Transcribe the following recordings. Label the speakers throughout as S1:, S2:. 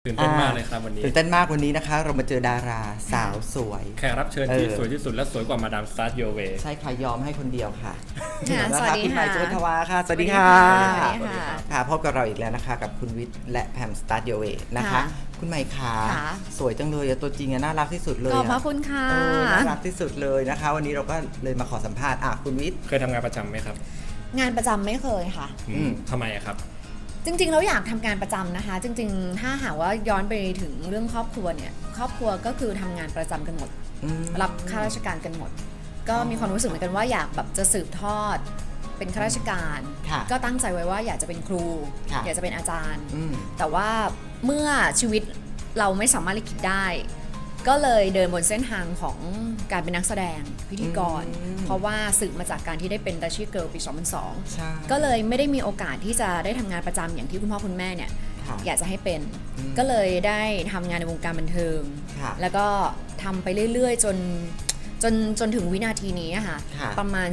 S1: ตื่นเต้นมากเลยครับวันนี้
S2: ตื่นเต้นมากวันนี้นะคะเรามาเจอดาราสาวสวย
S1: แขกรับเชิญที่สวยที่สุดและสวยกว่ามาดามสตาร์ทโยเว
S2: ใช่ค่ะยอมให้คนเดียวค่ะ
S3: สวัสดี
S2: คุณใหม่
S3: ค่ะ
S2: สุวรรณวาค่ะสวัสดีค่ะ
S3: สวัสดีค่ะ
S2: ค่ะพบกับเราอีกแล้วนะคะกับคุณวิทย์และแพมสตาร์ทโยเวนะคะ
S3: ค่ะ
S2: คุณใหม่ขา
S3: ค่ะ
S2: สวยจังเลยอะตัวจริงอะน่ารักที่สุดเลย
S3: ขอบพระ
S2: อะ
S3: คุณค่ะ
S2: น่ารักที่สุดเลยนะคะ วันนี้เราก็เลยมาขอสัมภาษณ์คุณวิทย์
S1: เคยทำงานประจำไหมครับ
S3: งานประจำไม่เคยค่ะ
S1: ทำไมอะครับ
S3: จริงๆเราอยากทำงานประจำนะคะ จริงๆ ถ้าหากว่าย้อนไปถึงเรื่องครอบครัวเนี่ยครอบครัวก็คือทำงานประจำกันหมด รับข้าราชการกันหมด ก็มีความรู้สึกเหมือนกันว่าอยากแบบจะสืบทอดเป็นข้าราชการ
S2: ค่ะ
S3: ก็ตั้งใจไว้ว่าอยากจะเป็นครู
S2: ค่ะ
S3: อยากจะเป็นอาจารย์
S2: อืม
S3: แต่ว่าเมื่อชีวิตเราไม่สามารถลิขิตได้ ก็เลยเดินบนเส้นทางของการเป็นนักแสดงพิธีกร เพราะว่าสืบมาจากการที่ได้เป็นดัชชี่เกิร์ลปี 2002
S2: ใช่
S3: ก็เลยไม่ได้มีโอกาสที่จะได้ทำงานประจำอย่างที่คุณพ่อคุณแม่เนี่ย
S2: ค่ะ
S3: อยากจะให้เป็น
S2: อืม
S3: ก็เลยได้ทำงานในวงการบันเทิง
S2: ค่ะ
S3: แล้วก็ทำไปเรื่อยๆจนถึงวินาทีนี้อะค่ะ
S2: ค่ะ
S3: ประมาณ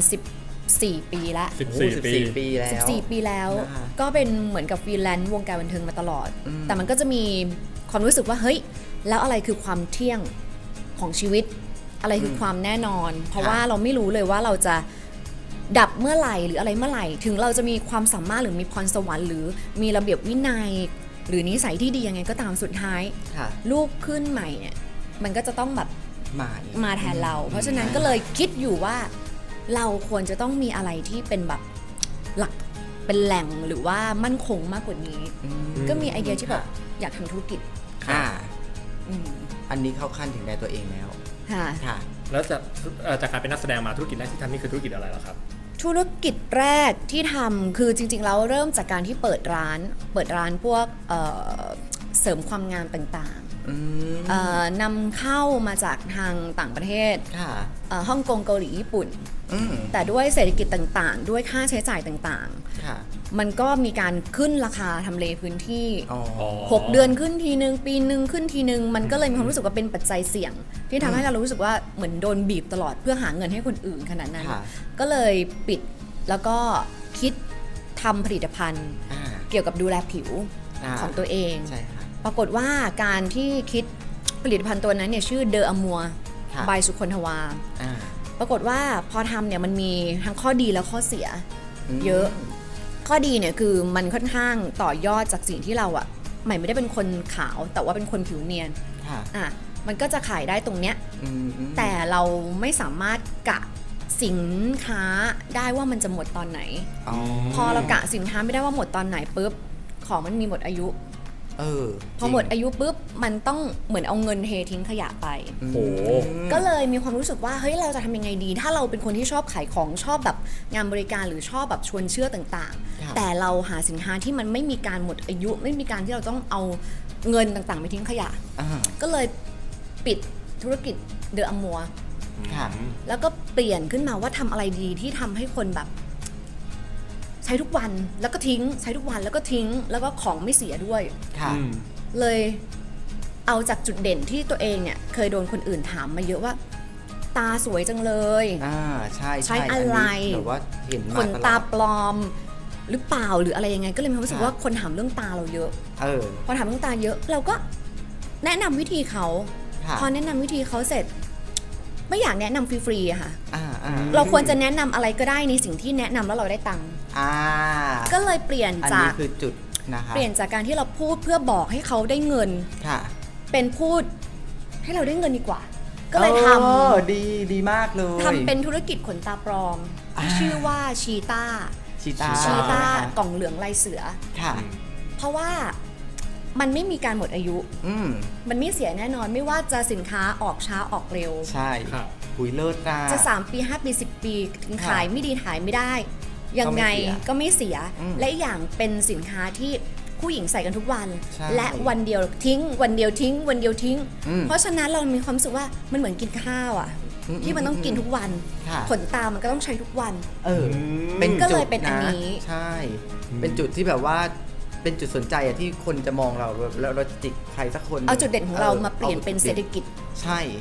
S3: 14 ปีละ
S1: 14
S2: ปีแล้ว
S3: 14 ปีแล้ว
S2: นะคะ
S3: ก็เป็นเหมือนกับฟรีแลนซ์วงการบันเทิงมาตลอด
S2: อืม
S3: แต่มันก็จะมีความรู้สึกว่าเฮ้ยแล้วอะไรคือความเที่ยงของชีวิต อะไรคือความแน่นอน เพราะว่าเราไม่รู้เลยว่าเราจะดับเมื่อไหร่หรืออะไรเมื่อไหร่ ถึงเราจะมีความสามารถหรือมีพรสวรรค์หรือมีระเบียบวินัย หรือนิสัยที่ดียังไงก็ตามสุดท้าย
S2: ค่ะ
S3: ลูกขึ้นใหม่เนี่ยมันก็จะต้องแบบ
S2: อีก
S3: มาแทนเรา เพราะฉะนั้นก็เลยคิดอยู่ว่าเราควรจะต้องมีอะไรที่เป็นแบบหลักเป็นแหล่งหรือว่ามั่นคงมากกว่านี้ ก็มีไอเดียที่แบบอยากทำธุรกิจ
S2: ค่ะ
S3: อืม
S2: อันนี้เข้าขั้นถึงในตัวเองแล้ว
S3: ค่ะ
S2: ค่ะ
S1: แล้วจากการเป็นนักแสดงมาธุรกิจแรกที่ทำนี่คือธุรกิจอะไรเหรอครับ
S3: ธุรกิจแรกที่ทำคือจริงๆแล้วเริ่มจากการที่เปิดร้านพวกเสริมความงามต่างๆนำเข้ามาจากทางต่างประเทศ
S2: ค่ะ
S3: ฮ่องกงเกาหลีญี่ปุ่น
S2: อืม
S3: แต่ด้วยเศรษฐกิจต่างๆ ด้วยค่าใช้จ่ายต่าง
S2: ค่ะ
S3: ๆ มันก็มีการขึ้นราคาทำเลพื้นที่
S2: อ๋อ
S3: 6 เดือนขึ้นทีนึงปีนึงขึ้นทีนึงมันก็เลยมีความรู้สึกว่าเป็นปัจจัยเสี่ยง ที่ทำให้เรารู้สึกว่าเหมือนโดนบีบตลอดเพื่อหาเงินให้คนอื่นขนาดนั้น
S2: ค่ะ
S3: ก็เลยปิดแล้วก็คิดทำผลิตภัณฑ์
S2: อ่า
S3: เกี่ยวกับดูแลผิวของตัวเอง
S2: ใช่ค่ะ
S3: ปรากฏว่าการที่คิดผลิตภัณฑ์ตัวนั้นเนี่ยชื่อเดออมัว
S2: ค่ะ
S3: บายสุคนทวา
S2: อ่า
S3: ปรากฏว่าพอทำเนี่ยมันมีทั้งข้อดีและข้อเสียเยอะ ข้อดีเนี่ยคือมันค่อนข้างต่อยอดจากสิ่งที่เราอะใหม่ไม่ได้เป็นคนขาวแต่ว่าเป็นคนผิวเนียน
S2: ค่ะ
S3: อ่ะมันก็จะขายได้ตรงเนี้ย
S2: อืม
S3: แต่เราไม่สามารถกะสินค้าได้ว่ามันจะหมดตอนไหน
S2: อ๋อ
S3: พอเรากะสินค้าไม่ได้ว่าหมดตอนไหนปุ๊บของมันมีหมดอายุ พอหมดอายุปุ๊บมันต้องเหมือนเอาเงินเททิ้งขยะไป
S2: อืม
S1: โอ้
S3: ก็เลยมีความรู้สึกว่าเฮ้ยเราจะทำยังไงดี ถ้าเราเป็นคนที่ชอบขายของชอบแบบงานบริการหรือชอบแบบชวนเชื่อต่าง
S2: ครับ
S3: ๆ แต่เราหาสินค้าที่มันไม่มีการหมดอายุ ไม่มีการที่เราต้องเอาเงินต่างๆไปทิ้งขยะ
S2: อ่า
S3: ก็เลยปิดธุรกิจเดอะอมัว
S2: ค่ะ
S3: แล้วก็เปลี่ยนขึ้นมาว่าทำอะไรดีที่ทำให้คนแบบ ใช้ทุกวันแล้วก็ทิ้งใช้ทุกวันแล้วก็ทิ้ง แล้วก็ของไม่เสียด้วย
S2: ค่ะ
S3: เลยเอาจากจุดเด่นที่ตัวเองเนี่ยเคยโดนคนอื่นถามมาเยอะว่า ตาสวยจังเลย
S2: อ่า ใช่
S3: ใช้อะไร
S2: นนี้แบบว่าเห็นมา
S3: ขน
S2: ตล
S3: ตา
S2: อด
S3: ปลอมหรือเปล่าหรืออะไรยังไง ก็เลยมีความรู้สึกว่าคนถามเรื่องตาเราเยอะ พอถามเรื่องตาเยอะ เราก็แนะนำวิธีเขา
S2: ค่ะ
S3: พอแนะนำวิธีเขาเสร็จ ไม่อยากแนะนำฟรีๆอะค่ะ
S2: อ่า
S3: เราควรจะแนะนำอะไรก็ได้ในสิ่งที่แนะนำแล้วเราได้ตังค์
S2: อ่า
S3: ก็เลยเปลี่ยน
S2: อัน
S3: จา
S2: นี้
S3: ก
S2: คือจุดนะคะ
S3: เปลี่ยนจากการที่เราพูดเพื่อบอกให้เขาได้เงิน
S2: ค่ะ
S3: เป็นพูดให้เราได้เงินดีกว่า ก็เลยท
S2: ดีมากเลย
S3: ำเป็นธุรกิจขนตาปลอมที่ชื่อว่าชีต้า
S2: ชีตา
S3: ชีต้า
S2: นะคะ
S3: กล่องเหลืองลายเสือ
S2: ค่ะ
S3: เพราะว่ามันไม่มีการหมดอายุ
S2: อืม
S3: มันไม่เสียแน่นอนไม่ว่าจะสินค้าออกช้าออกเร็ว
S2: ใช่
S1: ครับ
S2: หุยเลิศนะ
S3: จะ3 ปี 5 ปี 10 ปีถึง
S2: ค่ะ
S3: ขายไม่ดีขายไม่ได้ ยังไงก็ไม่เสีย
S2: อืม
S3: และอีกอย่างเป็นสินค้าที่ผู้หญิงใส่กันทุกวัน
S2: ใช่
S3: และวันเดียวทิ้ง วันเดียวทิ้ง วันเดียวทิ้ง
S2: อืม
S3: เพราะฉะนั้นเรามีความรู้สึกว่ามันเหมือนกินข้าวอ่ะ ที่มันต้องกินทุกวัน
S2: ค่ะ
S3: ขนตามันก็ต้องใช้ทุกวัน
S2: เป็น
S3: ก็
S2: จุ
S3: เล
S2: ด
S3: ยเป็นอันนี้
S2: ใช่ เป็นจุดที่แบบว่าเป็นจุดสนใจอะที่คนจะมองเราแล้วเราจิกใครสักคน
S3: เอาจุดเด่นของเรามาเปลี่ยนเป็นเศรษฐกิจ
S2: ใช่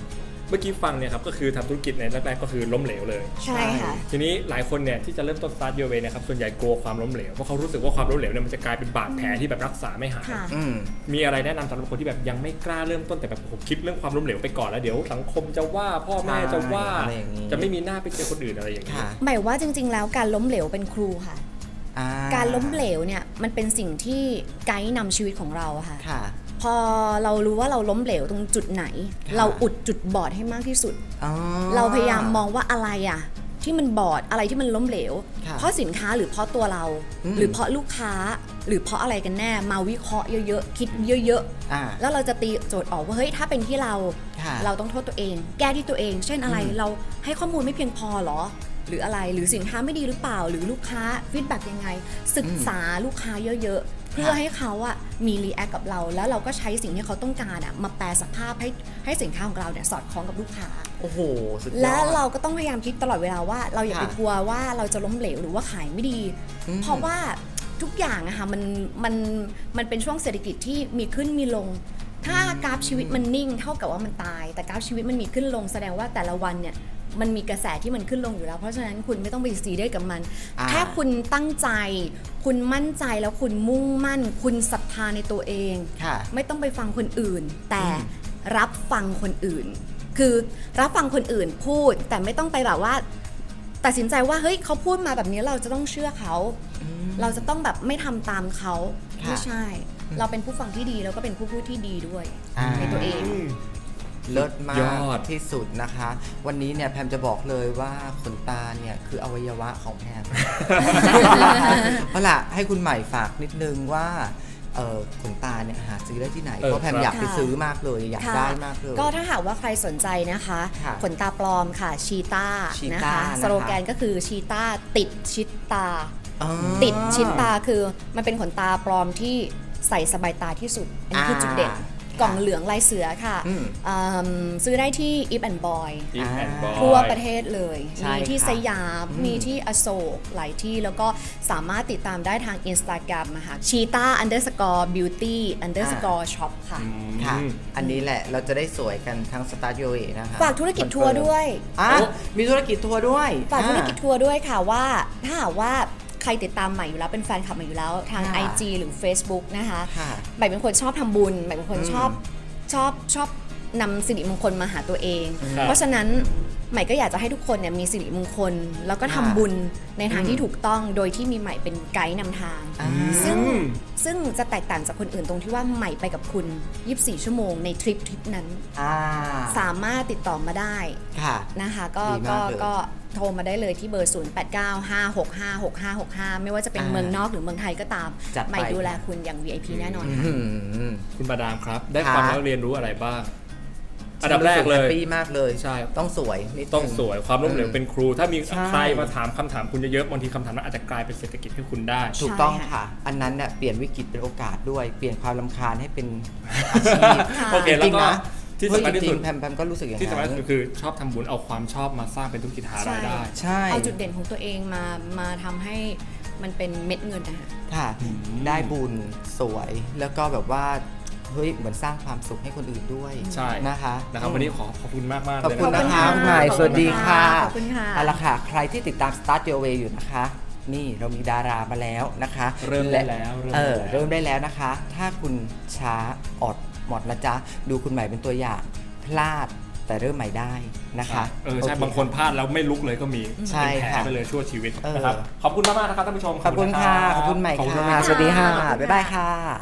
S1: เมื่อกี้ฟังเนี่ยครับก็คือทำธุรกิจในแรกๆก็คือล้มเหลวเลย
S3: ใช่ค่ะ
S1: ทีนี้หลายคนเนี่ยที่จะเริ่มต้น start your way นะครับส่วนใหญ่กลัวความล้มเหลวเพราะเขารู้สึกว่าความล้มเหลวเนี่ยมันจะกลายเป็นบาดแผลที่แบบรักษาไม่หาย
S3: ค่ะ
S2: อืม
S1: มีอะไรแนะนำสำหรับคนที่แบบยังไม่กล้าเริ่มต้นแต่แบบผมคิดเรื่องความล้มเหลวไปก่อนแล้วเดี๋ยวสังคมจะว่าพ่อแม่จะว่า
S2: อะไรอย่างนี้
S1: จะไม่มีหน้าไปเจอคนอื่นอะไรอย่างนี้
S2: ค่ะ
S3: หมายว่าจริง ๆ แล้วการล้มเหลวเป็นครูค่ะ
S2: อ่
S3: การล้มเหลวเนี่ยมันเป็นสิ่งที่ไกด์นำชีวิตของเราอะค่ะ
S2: ค่ะ
S3: พอเรารู้ว่าเราล้มเหลวตรงจุดไหน
S2: ค่ะ
S3: เราอุดจุดบอดให้มากที่สุด
S2: อ๋อ
S3: เราพยายามมองว่าอะไรอะที่มันบอดอะไรที่มันล้มเหลว
S2: ค่ะ
S3: เพราะสินค้าหรือเพราะตัวเรา หรือเพราะลูกค้าหรือเพราะอะไรกันแน่มาวิเคราะห์เยอะๆคิดเยอะ
S2: อ่า
S3: ๆแล้วเราจะตีโจทย์ออกว่าเฮ้ยถ้าเป็นที่เรา
S2: ค่ะ
S3: เราต้องโทษตัวเอง แก้ที่ตัวเอง เช่นอะไรเราให้ข้อมูลไม่เพียงพอเหรอ หรืออะไรหรือสินค้าไม่ดีหรือเปล่า หรือลูกค้าฟีดแบ็กยังไง ศึกษาลูกค้าเยอะๆ เพื่อให้เขาอะมีรีแอคกับเรา แล้วเราก็ใช้สิ่งที่เขาต้องการอะมาแปลสภาพให้สินค้าของเราเนี่ยสอดคล้องกับลูกค้า
S2: โอ้โห สุดยอด
S3: และเราก็ต้องพยายามคิดตลอดเวลาว่าเราอย่าไป
S2: ค่ะ
S3: กลัวว่าเราจะล้มเหลวหรือว่าขายไม่ดี เพราะว่าทุกอย่างอะค่ะมันเป็นช่วงเศรษฐกิจที่มีขึ้นมีลง ถ้ากราฟชีวิตมันนิ่งเท่ากับว่ามันตาย แต่กราฟชีวิตมันมีขึ้นลงแสดงว่าแต่ละวันเนี่ยมันมีกระแสที่มันขึ้นลงอยู่แล้ว เพราะฉะนั้นคุณไม่ต้องไปซีเรียสกับมัน แค่คุณตั้งใจ คุณมั่นใจแล้วคุณมุ่งมั่น คุณศรัทธาในตัวเอง
S2: ค่ะ
S3: ไม่ต้องไปฟังคนอื่น แต่รับฟังคนอื่น คือรับฟังคนอื่นพูด แต่ไม่ต้องไปแบบว่า ตัดสินใจว่าเฮ้ยเขาพูดมาแบบนี้เราจะต้องเชื่อเขา เราจะต้องแบบไม่ทำตามเขา
S2: ค่ะ
S3: ไม่ใช่ เราเป็นผู้ฟังที่ดีแล้วก็เป็นผู้พูดที่ดีด้วย
S2: อ่า
S3: ในตัวเอง
S2: เลิศมาก
S1: ยอด
S2: ที่สุดนะคะ วันนี้เนี่ยแพมจะบอกเลยว่าขนตาเนี่ยคืออวัยวะของแพม เอาล่ะให้คุณใหม่ฝากนิดนึงว่าขนตาเนี่ยหาซื้อได้ที่ไหน เพราะแพม
S1: ครับ
S2: อยากไป
S3: ค่ะ
S2: ซื้อมากเลยอยาก
S3: ค่ะ
S2: ได้มากเลย
S3: ก็ถ้าหากว่าใครสนใจนะคะ
S2: ค่ะ
S3: ขนตาปลอมค่ะชีต้า
S2: ชี
S3: นะ
S2: ต้า
S3: คะ
S2: นะคะ
S3: สโลแกนก็คือชีต้าติดชิดตา
S2: อ๋อ
S3: ติดชิดตาคือมันเป็นขนตาปลอมที่ใส่สบายตาที่สุด อันนี้คือจุดเด่น กล่องเหลืองลายเสือค่ะ
S2: อืม
S3: ซื้อได้ที่ If and Boy
S1: อีฟแอนด์บอย
S3: ทั่วประเทศเลย
S2: ใช่
S3: มีที่
S2: ค่ะ
S3: สยาม มีที่อโศกหลายที่ แล้วก็สามารถติดตามได้ทาง Instagram นะคะ cheetah_beauty_shop ค่ะ
S2: ค่ะ อันนี้แหละเราจะได้สวยกันทั้งสตาร์ทโยเอนะคะ
S3: ฝากธุรกิจทัวร์ด้วย
S2: อ่ะมีธุรกิจทัวร์ด้วย
S3: ฝากธุรกิจทัวร์ด้วยค่ะว่าถ้าหากว่าใครติดตามใหม่อยู่แล้วเป็นแฟนคลับใหม่อยู่แล้วทาง
S2: ค่ะ
S3: IG หรือ Facebook นะคะ
S2: ค่ะ
S3: ใหม่เป็นคนชอบทำบุญใหม่เป็นคนชอบนำสิริมงคลมาหาตัวเอง
S1: ครับ
S3: เพราะฉะนั้นใหม่ก็อยากจะให้ทุกคนเนี่ยมีสิริมงคล แล้วก็ทำ
S2: ค่ะ
S3: บุญในทางที่ถูกต้องโดยที่มีใหม่เป็นไกด์นำทาง
S2: อ่า
S3: ซึ่งจะแตกต่างจากคนอื่นตรงที่ว่าใหม่ไปกับคุณ 24 ชั่วโมงในทริปนั้น
S2: อ่า
S3: สามารถติดต่อมาได้
S2: ค่ะ
S3: นะคะก็
S2: ดีมากเลย
S3: ก็โทรมาได้เลยที่เบอร์ 0895656565 ไม่ว่าจะเป็นเมืองนอกหรือเมืองไทยก็ตาม
S2: จัดไป
S3: ใหม่ดูแลคุณอย่าง VIP แน่นอน
S2: อื้อ
S3: ค่ะ
S2: หือ
S1: คุณมาดามครับ ได้
S2: ค่ะ
S1: ฟังแล้วเรียนรู้อะไรบ้าง อันดับแรกเลย
S2: แฮปปี้มากเลย
S1: ใช่
S2: ต้องสวยนิดนึ
S1: ต้องสวยความล้มเหลวเป็นครู ถ้ามี
S2: ใช่
S1: ใครมาถามคำถามคุณเยอะๆบางทีคำถามนั้นอาจจะกลายเป็นเศรษฐกิจให้คุณได้
S2: ถูกต้อง
S3: ใช่ค่ะ
S2: ค่ะ อันนั้นเนี่ยเปลี่ยนวิกฤตเป็นโอกาสด้วย เปลี่ยนความรำคาญให้เป็นอาชีพ
S3: ค่ะ
S1: โอเค
S2: จ
S1: แล้ว
S2: ริง
S1: ก็
S2: ๆนะ
S1: ที่สำคัญที่สุด
S2: เฮ้ยจริงๆแพมก็รู้สึกอย่าง
S1: ที่สำคัญ
S2: นั้น
S1: ที่สุดคือชอบทำบุญเอาความชอบมาสร้างเป็นธุรกิจหารายได้
S2: ใช่
S3: เอาจุดเด่นของตัวเองมาทำให้มันเป็นเม็ดเงินนะคะ
S2: ค่ะ ได้บุญสวยแล้วก็แบบว่าเฮ้ยเหมือนสร้างความสุขให้คนอื่นด้วย
S1: ใช่
S2: นะคะ
S1: นะครับวันนี้ขอบคุณมากๆ
S2: ขอบ
S1: เลย
S2: คุณ
S1: นะ
S2: นะ
S1: ค
S2: คะ
S1: รับ
S2: คุณใหม่สวัสดีค่ะ
S3: ขอบคุณค่ะ
S2: เอาละค่ะ ใครที่ติดตาม Start Your Way อยู่นะคะ นี่เรามีดารามาแล้วนะคะ
S1: เริ่มได้แล้ว
S2: เริ่มได้แล้วนะคะ ถ้าคุณช้าอดหมดนะจ๊ะ ดูคุณใหม่เป็นตัวอย่างพลาดแต่เริ่มใหม่ได้นะคะ
S1: ใช่บางคนพลาดแล้วไม่ลุกเลยก็มี
S2: ใช่
S1: เป็นแผล
S2: ค่ะ
S1: ไปเลยชั่วชีวิต
S2: เออ
S1: นะครับขอบคุณมากๆนะครับท่านผู้ชม
S2: ขอบคุณค่ะ ขอบคุณใหม่
S1: ขอบคุณ
S2: ค่ะ
S1: มากๆ
S2: สวัสดีค่ะ
S1: รับ
S2: บ๊ายบายค่ะ